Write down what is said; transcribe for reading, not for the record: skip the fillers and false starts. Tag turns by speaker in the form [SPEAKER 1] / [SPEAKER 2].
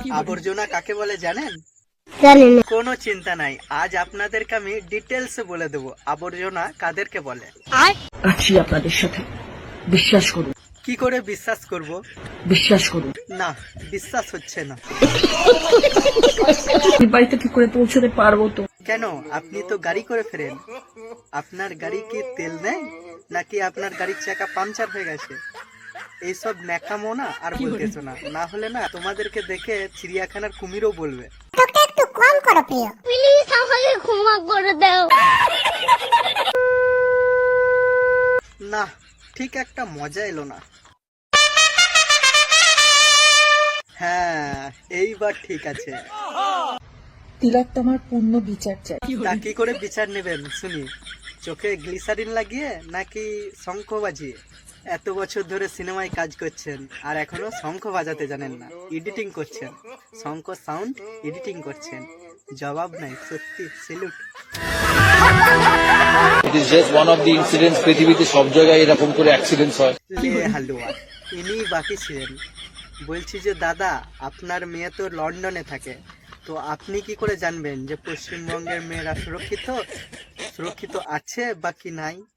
[SPEAKER 1] আবর্জনা কাকে বলে জানেন?
[SPEAKER 2] জানি না।
[SPEAKER 1] কোনো চিন্তা নাই, আজ আপনাদেরকে আমি ডিটেলসে বলে দেবো আবর্জনা কাদেরকে বলে।
[SPEAKER 3] আছি আপনাদের সাথে, বিশ্বাস করুন।
[SPEAKER 1] কি করে বিশ্বাস করব?
[SPEAKER 3] বিশ্বাস করুন।
[SPEAKER 1] না, বিশ্বাস হচ্ছে না।
[SPEAKER 3] আমি বাড়িতে কি করে পৌঁছতে পারবো তো?
[SPEAKER 1] কেন, আপনি তো গাড়ি করে ফেরেন। আপনার গাড়ি কি তেল নেই, নাকি আপনার গাড়ির চাকা পাংচার হয়ে গেছে? এইসব ন্যাকামো না আর বলতেছো না, না হলে না তোমাদেরকে দেখে চিড়িয়াখানার কুমিরও বলবে।
[SPEAKER 2] তোকে একটু কম করো প্রিয়, প্লিজ আমাকে ক্ষমা করে দাও।
[SPEAKER 1] না, ঠিক একটা মজা এলো না। হ্যাঁ, এইবার ঠিক আছে।
[SPEAKER 3] তিলক তোমার পূর্ণ বিচার চাই।
[SPEAKER 1] তা কি করে বিচার নেবেন শুনি? চোখে গ্লিসারিন লাগিয়ে নাকি শঙ্খ বাজিয়ে? এত বছর ধরে সিনেমায় কাজ করছেন আর এখনো শঙ্খ বাজাতে জানেন না, এডিটিং করছেন, শঙ্খ সাউন্ড এডিটিং করছেন। জবাব নাই, সত্যি salute.
[SPEAKER 4] It is just one of the incidents পৃথিবীতে সব জায়গায় এরকম করে অ্যাক্সিডেন্টস হয়।
[SPEAKER 1] লে হালুয়া, ইনি বাকি ছিলেন। বলছি যে দাদা, আপনার মেয়ে তো লন্ডনে থাকে, তো আপনি কি করে জানবেন যে পশ্চিমবঙ্গের মেয়েরা সুরক্ষিত সুরক্ষিত আছে বা কি নাই?